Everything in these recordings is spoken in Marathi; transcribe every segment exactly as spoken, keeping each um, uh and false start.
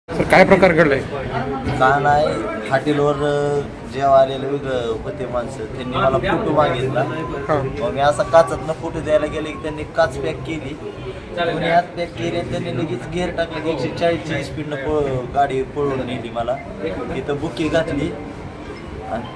सर काय प्रकार घडलाय? का नाही हॉटेलवर जेव्हा आलेले वेगळं होते माणसं त्यांनी मला फोटो मागितला. मग मी असा काचातनं फोटो द्यायला गेले की त्यांनी काच पॅक केली, दोन्ही हात पॅक केले आणि त्यांनी लगेच गेअर टाकले की एकशे चाळीसची स्पीडनं पळ गाडी पळवून नेली. मला तिथं बुकी घातली आणि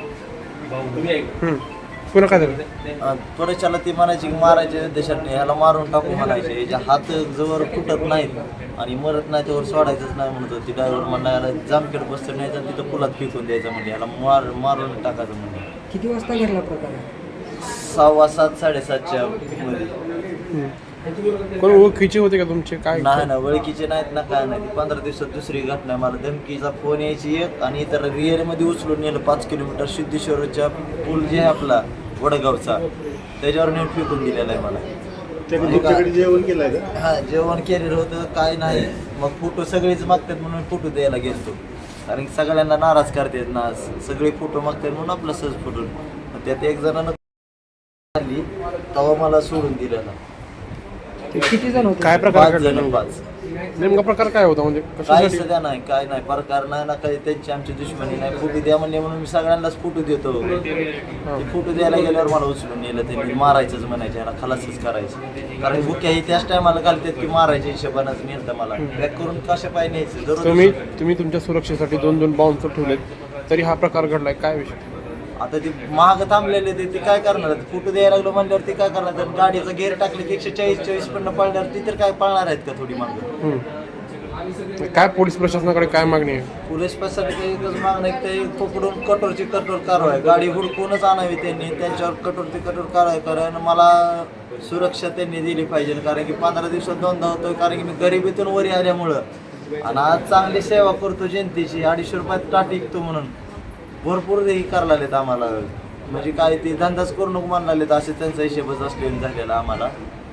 पुन्हा काय झालं? त्वरेच्याला ती म्हणायची की मारायचे देशात ह्याला मारून टाकू म्हणायचे, याच्या हात जवळ फुटत नाहीत आणि मरत नाही त्यावर सोडायचंच नाही म्हणत होती. ड्रायव्हर म्हणला याला जामखेड बसतं न्यायचं आणि तिथं पुलात फेकून द्यायचं म्हणजे याला मार मारून टाकायचं म्हणजे. किती वाजता घडला प्रकार? सहावा सात साडेसातच्या मध्ये. कोण ओळखीचे होते का तुमचे? काय नाही ना ओळखीचे नाहीत ना काय नाही. पंधरा दिवसात दुसरी घटना. मला धमकीचा फोन यायची एक आणि इतर रिअरमध्ये उचलून नेलं पाच किलोमीटर सिद्धेश्वरच्या पूल जे आहे आपला वडगावचा त्याच्यावर नेऊन फेकून दिलेला आहे मला. जेवण केलंय का? हा जेवण केलेलं होतं काय नाही. मग फोटो सगळेच मागतात म्हणून फोटो द्यायला गेलतो, कारण की सगळ्यांना नाराज करतात ना, सगळे फोटो मागतात म्हणून आपला सहज फोटो. त्यात एक जणांना आली तेव्हा मला सोडून दिलं ना. किती जण होते? काय प्रकार पाच घडला? जण पाच. नेमका प्रकार काय होता म्हणजे काय कशासाठी? सध्या नाही काय नाही प्रकार नाही ना काही. त्यांची आमची दुश्मनी नाही. फोटो द्या म्हणले म्हणून मी सगळ्यांनाच फोटो देतो. ते फोटो द्यायला गेल्यावर मला उचलून नेलं. त्यांनी मारायचंच म्हणायचे, याला खलासच करायचं, कारण बुक्या ही त्याच टायमाला घालतात की मारायच्या हिशोबानंच नेलं मला. पॅक करून कशा पाय न्यायचं. तुम्ही दररोज तुम्ही तुमच्या सुरक्षेसाठी दोन दोन बाउन्सर ठेवलेत तरी हा प्रकार घडलाय, काय विषय? आता ती महाग थांबलेले ते ते काय करणार? फोटो द्यायला लागलो म्हणल्यावर ते काय करणार? तर गाडीचा गेअर टाकले की एकशे चाळीस चाळीस पण पळणार ती तर काय पळणार आहेत का थोडी मागं? हम्म. काय पोलीस प्रशासनाकडे काय मागणी आहे? पोलीस प्रशासनाकडे एकच मागणं आहे की ते पकडून कठोरची कठोर कारवाई, गाडी हुडकूनच आणावी त्यांनी, त्यांच्यावर कठोरची कठोर कारवाई कारण मला सुरक्षा त्यांनी दिली पाहिजे. कारण की पंधरा दिवसात दोनदा होतोय, कारण की मी गरिबीतून वरी आल्यामुळं आणि आज चांगली सेवा करतो जनतेची. अडीचशे रुपयात टाट विकतो म्हणून भरपूर हे करायला लागलेत आम्हाला. म्हणजे काय ते धंदाच करू नको म्हणायला लागलेत, असे त्यांचा हिशेबच असलेला झालेला आम्हाला.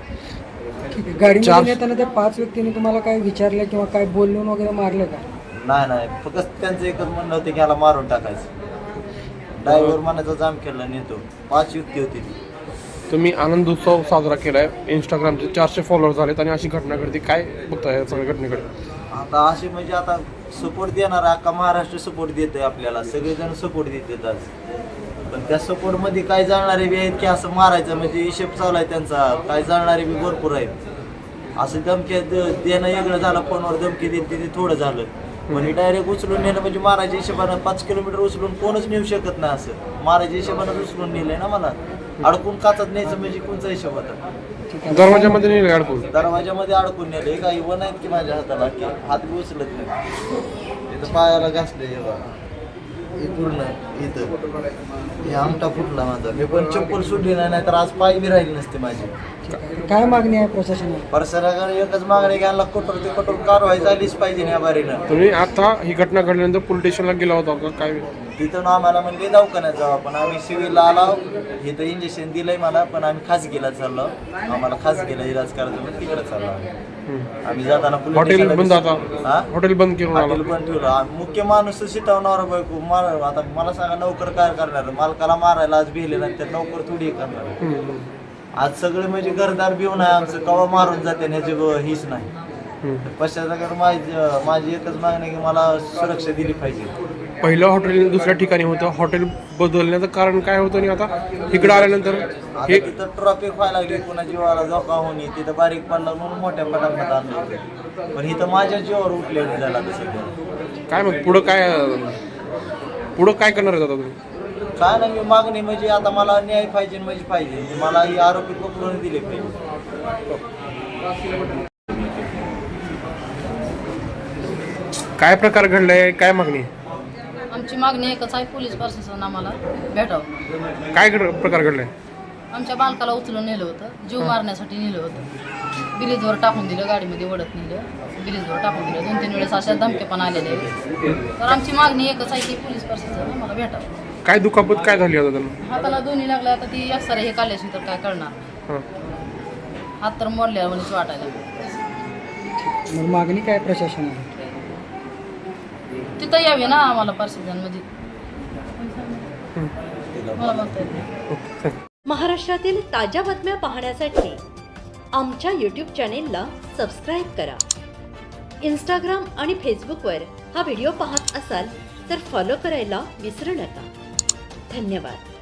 गाडीमध्ये येताना त्या पाच व्यक्तींनी तुम्हाला काय विचारलं किंवा काय बोलून वगैरे मारलं का? नाही नाही फक्त त्यांचं एकच म्हणणं होतं की याला मारून टाकायचं. ड्रायव्हर मनाचा जाम केला नेतो. पाच युक्ती होती ती. तुम्ही आनंद उत्सव साजरा केलाय, इंस्टाग्रामचे चारशे फॉलोअर झालेत आणि अशी घटना घडते, काय बघताय या सगळ्या घटनेकडे? आता असे म्हणजे आता सपोर्ट देणार अख्खा महाराष्ट्र सपोर्ट देतोय आपल्याला, सगळेजण सपोर्ट देतात आज. पण त्या सपोर्टमध्ये काय जाणारे बी आहेत की असं मारायचं म्हणजे हिशेब चालू आहे त्यांचा. काय जाणारे बी भरपूर आहेत. असं धमकी देणं वेगळं झालं, फोनवर धमकी देत ते थोडं झालं. म्हणजे डायरेक्ट उचलून नेलं म्हणजे मारायच्या हिशोबानं पाच किलोमीटर उचलून कोणच नेऊ शकत नाही. असं मारायच्या हिशोबानं उचलून नेलंय ना मला. अडकून काचत न्यायचं म्हणजे कोणचा हिशोब होता? दरवाजामध्ये नाही अडकून? दरवाजामध्ये अडकून नेले. काही वन आहेत की माझ्या हाताला की हात बी उचलत नाही. इथं पायाला घासले हे पूर्ण इथं हे आमटा फुटला माझा. मी पण चप्पल सुटली नाही, नाही तर आज पाय बी राहिली नसते माझी. काय मागणी आहे प्रशासनाला? प्रशासनाकडे एकच मागणी घ्यायला कठोर ते कठोर कारवाई झालीच पाहिजे या बारीनं. तुम्ही आता ही घटना घडल्यानंतर पोलीस स्टेशनला गेला होता का? काय तिथं आम्हाला म्हणजे दवाखान्यात जाऊ आपण. आम्ही सिव्हिलला आलो, इथं इंजेक्शन दिलंय मला, पण आम्ही खासगीला चाललो. आम्हाला खासगीला इलाज करायचं म्हणून तिकडे चाललो आम्ही. जाताना हॉटेल बंद आता? हा हॉटेल बंद केलं? हॉटेल पण ठेवलं. आम्ही मुख्य माणूस शिटवणार बायको मार. आता मला सांगा नोकर काय करणार? मालकाला मारायला आज भिले नंतर नोकर थोडी करणार. आज सगळे म्हणजे घरदार भिवून आहे आमचं, कवा मारून जाते ह्याची हीच नाही. पश्चात माझी माझी एकच मागणी की मला सुरक्षा दिली पाहिजे. पहिलं हॉटेल दुसऱ्या ठिकाणी होतं, हॉटेल बदलण्याचं कारण काय होतं आणि आता इकडे आल्यानंतर हे तिथं ट्रॉफिक व्हायला लागली, कोणा जीवाला धोका होणे, तिथं बारीक पडला म्हणून मोठ्या पटापट आणलं होतं. पण इथं माझ्या जीवावर उठलेलं झाला तसं. काय मग पुढं काय पुढं काय करणार आहे आता तुम्ही? काय नाही, मी मागणी म्हणजे आता मला न्याय पाहिजे म्हणजे पाहिजे. मला ही आरोपी पकडून दिले पाहिजे. काय प्रकार घडलाय, काय मागणी? आमची मागणी एकच आहे, पोलीस प्रशासन आम्हाला भेटावं. काय घड प्रकार घडलाय? आमच्या बालकाला उचलून नेलं होतं, जीव मारण्यासाठी नेलं होतं. ब्रिजवर टाकून दिलं, गाडीमध्ये ओढत नेलं, ब्रिजवर टाकून दिलं. दोन तीन वेळेस अशा धमके पण आलेले. तर आमची मागणी एकच आहे की पोलीस प्रशासन आम्हाला भेटावं. काय दुखापत काय झाली आता त्यांना? हाताला दोन्ही लागल्या. आता ती एक्सरे हे काढल्याशी तर काय करणार? हात तर मोडल्या म्हणूनच वाटायला. मग मागणी काय प्रशासनाला? तिथं यावे ना आम्हाला प्रशासनमध्ये. मला म्हणता येत नाही. महाराष्ट्रातील ताज्या बातम्या पाहण्यासाठी आमच्या यूट्यूब चॅनेलला सबस्क्राईब करा. इंस्टाग्राम आणि फेसबुकवर हा व्हिडिओ पाहत असाल तर फॉलो करायला विसरू नका. धन्यवाद.